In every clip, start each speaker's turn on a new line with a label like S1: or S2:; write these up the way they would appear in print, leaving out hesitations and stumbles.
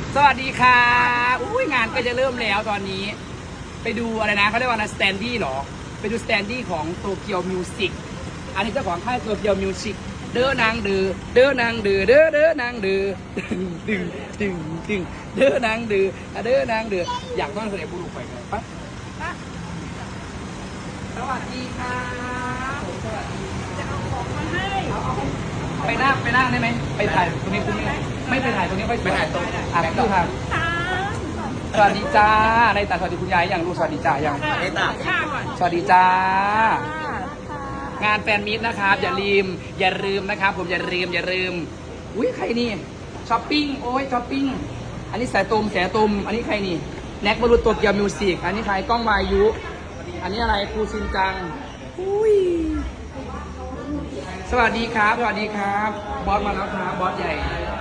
S1: สวัสดีค่ะอุ้ยงานก็จะเริ่มแล้วตอนนี้ ไปดูอะไรนะเขาเรียกว่านะสแตนดี้หรอไปดูสแตนดี้ของโตเกียวมิวสิกอันนี้เจ้าของค่ายโตเกียวมิวสิกเด้อนางเด้อเด้อนางเด้อเด้อเด้อนางเด้อดึงดึงดึงเด้อนางเด้อเด้อนางเด้ออยากต้อนเสด็จบุรุษไปเลยปะสวัสดีค่ะสวัสดีจะเอาของมาให้ไปนั่งได้ไหมไปถ่ายตรงนี้คุณไม่ไปถ่ายตรงนี้ไปถ่ายตรงตู้ทางสวัสดีจ้าในตาสวัสดีคุณยายอย่างลูกสวัสดีจ้าอย่างในตาสวัสดีจ้างานแฟนมิตรนะครับอย่าลืมนะครับผมอย่าลืมอุ้ยใครนี่ช้อปปิ้งโอ้ยช้อปปิ้งอันนี้แสตุมอันนี้ใครนี่แน็กบอลลูนโตเกียวมิวสิกอันนี้ใครกล้องวายุอันนี้อะไรครูชินจังอุ้ยสวัสดีครับบอสมาแล้วครับบอสใหญ่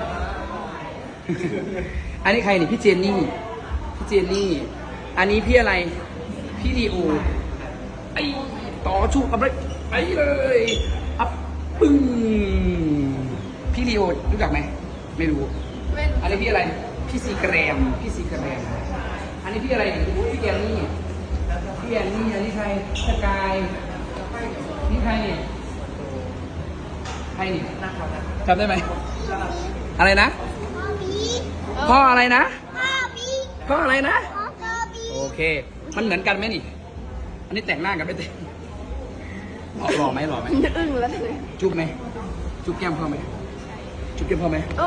S1: อันนี้ใครนี่พี่เจนนี่อันนี้พี่อะไรพี่ลีโอไอต่อชูกับเลยไปเลยอัพปึ้งพี่ลีโอรู้จักไหมไม่รู้อันนี้พี่อะไรพี่ซีแกรมอันนี้พี่อะไรพี่แกนนี่อันนี้ใครสกายนี่ใครนี่จำได้ไหมอะไรนะพ่ออะไรนะโอเคมันเหมือนกันไหมนี่อันนี้แต่งหน้ากันไม่แต่งหล่อไหม
S2: อึ้งแล้วเลย
S1: จุ๊บไหมจุ๊บแก้มพ่อไหมจุ๊บแก้มพ่อไหม
S2: โอ้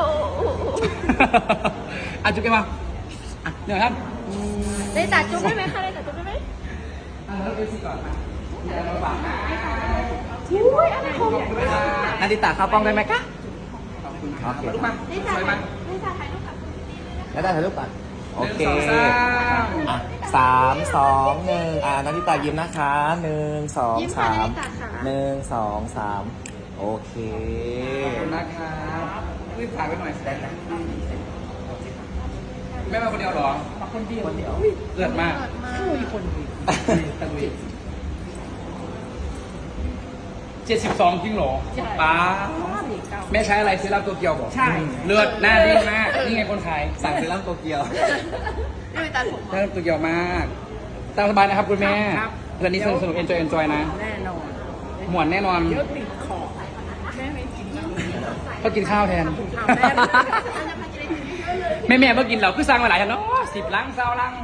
S1: อ่ะจุ๊บแก้มมาอ่ะเดี๋ยวครับ
S2: ได้จัดจุ๊บได้ไหมคะได้จัดจุ๊บได้ไหม
S1: แล้วดูสิก่อนนะอย่าลำบากนะ
S2: อุ้ยอะไรของ
S1: นาดิตาเข้ากล้องได้ไหมคะขอบคุณครับลูกมาสวยไหม
S2: ได้จัดถ่ายรูปกับคุณดีเลยนะคะ
S3: แล้วได้ถ่ายรูปก่อนโอเค
S1: 1 2 3
S3: 3 2 1นาฬิตายิ้มนะคะ1 2 3 1 2 3โอเค
S1: ขอบคุณนะครับรีบถ่ายไว้หน่อยได้ไหมแม่มาคนเดียวหรอมาคนเดียวเลือดมากคนดีตะลุย72จริงหรอป้าแม่ใช้อะไรซื้อรับโตเกียวบอกใช่เลือดหน้าดีมากนี่ไงคนขายสั่งซื้อรับโตเกียว
S2: ไม่ไปตัดผม
S1: ได้รับโตเกียวมากตามสบายนะครับคุณแม่เรื่องนี้สนุกเอนจอยนะ
S2: แน่นอน
S1: หมวนแน่นอน
S2: เยอะติดคอแม่ไม่กิน
S1: ก็กินข้าวแทนแม่เมื่อกินเราคือสั่งมาหลายชั้นเนาะ10 ลัง20 ลัง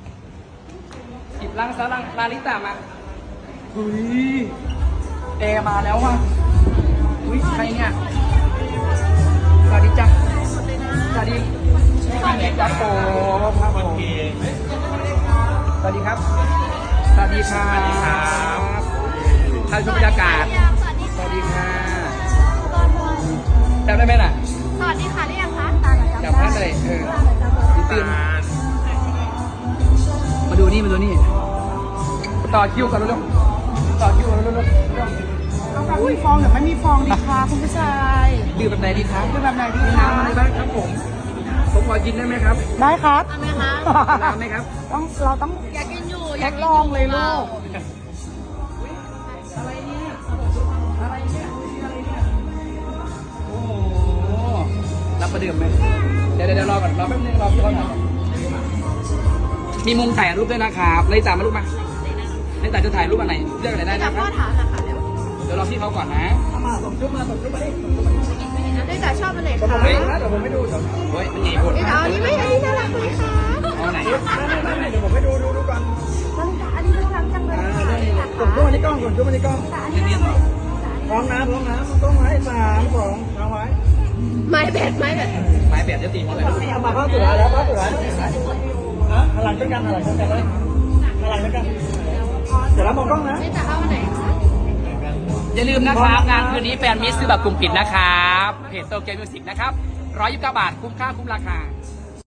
S1: ลาลิตามาหุยแอร์มาแล้วว่ะอุ้ยใครเนี่ยสวัสดีจ้ะสวัสดีจ้าโปครับผมสวัสดีครับท่านชมบรรยากาศสวัสดีค่ะจำได้ไหมน่ะ
S2: สวัสดีค่ะได้ยังคะ
S1: จำได้เลยตื่นมาดูนี่ต่อคิวกันเร็ว
S2: มีฟองหรือไม่มีฟองดีคะคุณผู้ชาย
S1: ดื่มแบบไหนดีครับ
S2: คือแบบไหนดี
S1: มี
S2: คะ
S1: น้ำอะไรบ้างครับผมขอกินได้ไหมครับ
S2: ได้ครับ
S1: น้ำไหมครับ
S2: เราต้อง
S4: อยากกินอยู่
S2: แยกลองเลยลูก
S1: อะไรเนี่ยโอ้โหรับประเดิมไหมเดี๋ยวรอก่อนรอแป๊บนึงรอพี่เขาหน่อยมีมุมถ่ายรูปด้วยนะครับเลยจ่ามารูปมาเลยจ่าจะถ่ายรูปอันไหนเลือกอะไรได้นะครับ
S2: พ่อถามนะคะเดี๋ยว
S1: เดี๋ยวรอพี่เขาก่อนนะส่งรูปมาดิ
S2: ได้แต่ชอบอันไหนคะ
S1: เฮ้ยเดี๋ยวผมไม่ดูเฮ้ยมันใหญ่หมด
S2: ได้แต่อันนี้ไม่อันนี้น่ารักเลยค่ะ
S1: เอาไหน
S3: เดี๋ยวผมให้ดูก่อน
S2: อันนี้น่ารักจังเลยค่ะ
S3: ส่งตัวมาที่กล้องพร้อมนะต้องไว้3 2เอาไว้
S2: ไม้แบด
S1: ไม้แบบจะตีเขาเลย
S3: เอามาเข้าตัวแล้วหลังด้วยกันเลยเดี๋ยวเรามองกล้องนะ
S2: ได้แต่เอาอันไหนคะ
S1: อย่าลืมนะครับงานคืนนี้แฟนมิสซื้อแบบกลุ่มปิดนะครับเพจโตเกียวมิวสิกนะครับ129 บาทคุ้มค่าคุ้มราคา